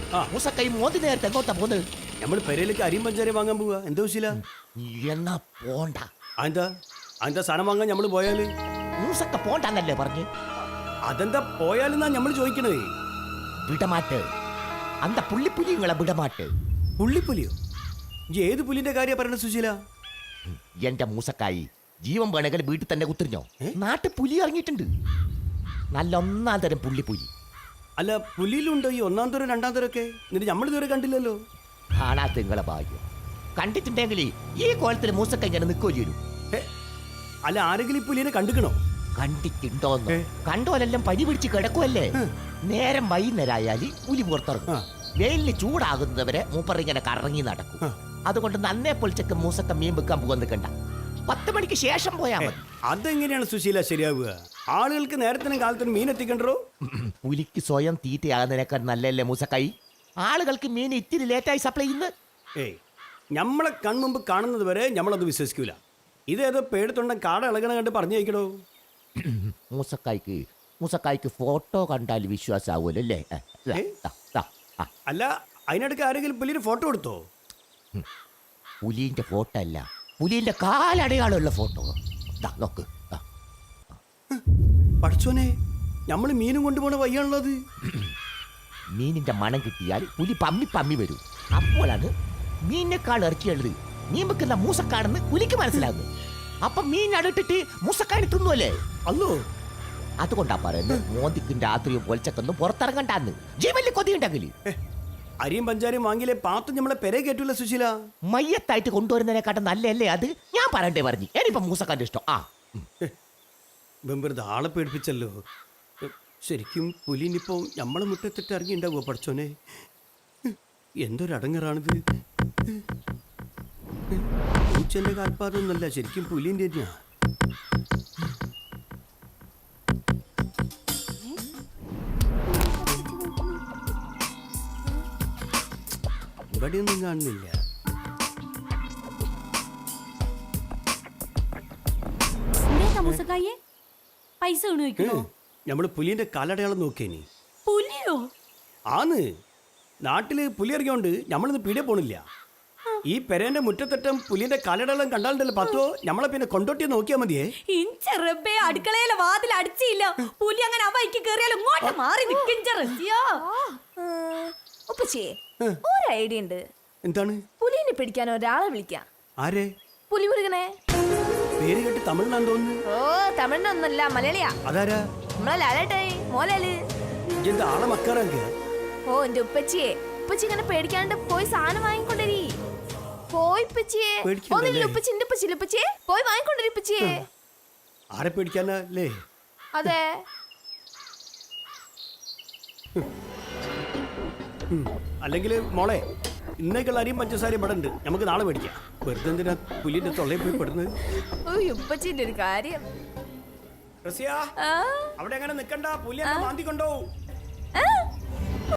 മൂസക്കൈ മോന്തി നേരത്തെ എങ്ങോട്ടാ പോകുന്നത്? നമ്മൾ പെരയിലേക്ക് അരിയും പഞ്ചാരി വാങ്ങാൻ പോവാ. എന്താ വിശീല? എന്നാ പോണ്ട. അതെന്താ അതെന്താ സാധനം വാങ്ങാൻ നമ്മൾ പോയാല്? മൂസക്ക പോണ്ടെന്നല്ലേ പറഞ്ഞു? അതെന്താ പോയാലെന്നാ നമ്മൾ ചോദിക്കണേ. വിടമാട്ട് അന്ത പുള്ളിപ്പുലിങ്ങളെ വിടമാട്ട്. പുള്ളിപ്പുലിയോ? ഏത് പുലിന്റെ കാര്യ പറയണ സുശീല? എന്റെ മൂസക്കായി ജീവൻ വേണമെങ്കിൽ വീട്ടിൽ തന്നെ കുത്തിരിഞ്ഞോ. നാട്ടിൽ പുലി ഇറങ്ങിയിട്ടുണ്ട്. നല്ല ഒന്നാം തരം പുള്ളിപ്പുലി. അല്ല, പുലിയിലുണ്ടോ ഈ ഒന്നാം തരം രണ്ടാം തരം ഒക്കെ? എന്നിട്ട് നമ്മൾ ഇതുവരെ കണ്ടില്ലല്ലോ. കാണാത്ത നിങ്ങളെ ഭാഗ്യം. കണ്ടിട്ടുണ്ടെങ്കിൽ ഈ കോലത്തിൽ മൂസക്ക ഇങ്ങനെ നിൽക്കുകയും ചെയ്യും. അല്ല, ആരെങ്കിലും ഈ പുലിനെ കണ്ടിക്കണോ? കണ്ടിട്ടുണ്ടോന്ന്? കണ്ടോലെല്ലാം പനി പിടിച്ച് കിടക്കുമല്ലേ. നേരം വൈകുന്നേരമായാല് പുലി പുറത്തിറങ്ങും. വെയിലിന് ചൂടാകുന്നവരെ മൂപ്പർ ഇങ്ങനെ കറങ്ങി നടക്കും. അതുകൊണ്ട് നന്നേ പൊളിച്ചൊക്കെ മൂസക്ക മീൻ വെക്കാൻ പോകാൻ നിൽക്കണ്ട. 10 മണിക്ക് ശേഷം പോയാൽ മതി. അതെങ്ങനെയാണ് സുശീല ശരിയാവുക? ആളുകൾക്ക് നേരത്തിനും കാലത്തിനും മീൻ എത്തിക്കണ്ടോ? പുലിക്ക് സ്വയം തീറ്റയാകുന്നതിനേക്കാൾ നല്ലല്ലേ മൂസക്കായി? ആളുകൾക്ക് മീൻ ഇത്തിരി ലേറ്റായി സപ്ലൈ ചെയ്യുന്നത്. നമ്മളെ കൺമുമ്പ് കാണുന്നത് വരെ നമ്മളത് വിശ്വസിക്കൂല. ഇതേതോ പേടത്തൊണ്ടൻ കാട ഇളകണ കണ്ട് പറഞ്ഞു കഴിക്കണോ? മൂസക്കായ്ക്ക് ഫോട്ടോ കണ്ടാൽ വിശ്വാസമാവുമല്ലോ അല്ലേ? അല്ല, അതിനിടയ്ക്ക് ആരെങ്കിലും പുലിന് ഫോട്ടോ എടുത്തോ? പുലിന്റെ ഫോട്ടോ അല്ല, പുലിന്റെ കാലടയാളമുള്ള ഫോട്ടോ. നോക്ക്. പഠിച്ചോനെ, നമ്മൾ മീനും കൊണ്ടുപോണ വയ്യാണുള്ളത്. മീനിന്റെ മണം കിട്ടിയാൽ പുലി പമ്മി വരും. അപ്പോഴാണ് മീനിനേക്കാൾ ഇറക്കിയുള്ളത് മീൻ വെക്കുന്ന മൂസക്കാണെന്ന് പുലിക്ക് മനസ്സിലാകുന്നത്. അപ്പൊ മീൻ അടുത്തിട്ട് മൂസക്കാരി തിന്നുമല്ലേ? അല്ലോ, അതുകൊണ്ടാ പറയുന്നത് മോന്തിക്കും രാത്രിയും പൊലിച്ചക്കൊന്നും പുറത്തിറങ്ങണ്ടാന്ന്. ജീവനിൽ കൊതിയുണ്ടെങ്കിൽ അരിയും പഞ്ചാരിയും വാങ്ങിയില്ലേ പാത്തും നമ്മളെ പെരെ കേട്ടൂല സുശീല. മയ്യത്തായിട്ട് കൊണ്ടുവരുന്നതിനെക്കാട്ടും നല്ലല്ലേ അത്? ഞാൻ പറയണ്ടേ പറഞ്ഞു. എനിയിപ്പം മൂസക്കാന്റെ ഇഷ്ടം. വെറുതെ ആളെ പേടിപ്പിച്ചല്ലോ. ശരിക്കും പുലിനിപ്പോ നമ്മളെ മുറ്റത്തിട്ട് ഇറങ്ങിണ്ടാവോ പഠിച്ചോനെ? എന്തൊരടങ്ങറാണിത്. പൂച്ചന്റെ കാൽപ്പാതൊന്നല്ല, ശരിക്കും പുലിന്റെ തന്നെയാ. ഇവിടെയൊന്നും കാണുന്നില്ല. പൈസ നമ്മള് പുലിന്റെ കാലടയാളം നോക്കേനി. പുലിയോ? ആന്ന്. നാട്ടില് പുലി ഇറങ്ങിയോണ്ട് നമ്മളിന്ന് പീടിയ പോണില്ല. ഈ പെരേന്റെ മുറ്റത്തറ്റം പുലിന്റെ കാലടയാളം കണ്ടാലുണ്ടല്ലോ പത്തോ, നമ്മളെ പിന്നെ കൊണ്ടോട്ടി നോക്കിയാ മതിയേ. അടുക്കളയിലെ വാതിൽ അടിച്ചില്ല. പുലി അങ്ങനെ അവയ്ക്ക് കേറിയാലും ഇങ്ങോട്ട് മാറി നിൽക്കും. ഒരു ഐഡിയ ഉണ്ട്. എന്താണ്? പുലിനെ പിടിക്കാൻ ഒരാളെ വിളിക്കാം. ആരെ? പുലി മുരുകനെ. പേര് കേട്ട് തമിഴ്നാന്ന് തോന്നുന്നു. ഓ, തമിഴിനൊന്നല്ല, മലയാളിയാ. അതാരാ? നമ്മളെ ലാലേട്ടായി, മോലാല്. എന്താ ആളെ മക്കാറാക്കുക? ഓ, എന്റെ ഉപ്പച്ചി ഇങ്ങനെ പേടിക്കാണ്ട് പോയി സാധനം വാങ്ങിക്കൊണ്ടരി. പോയി ഉപ്പച്ചിയെ. ഉപ്പച്ചിയെ പോയി വാങ്ങിക്കൊണ്ടരി ഉപ്പച്ചിയെ. ആരെ പേടിക്കാനല്ലേ? അതെ. അല്ലെങ്കിൽ മോളെ, ഇന്നേക്കുള്ള അരിയും പഞ്ചസാരയും ഇവിടെ ഉണ്ട്. നമുക്ക് നാളെ മേടിക്കാം. വെറുതെ എന്തിനാ പുലിന്റെ തൊള്ളയിൽ പോയി പെടുന്നത്? ഉപ്പച്ചിന്റെ ഒരു കാര്യം. അവിടെ എങ്ങനെ നിക്കണ്ട, പുലി മാന്തി കൊണ്ടോ.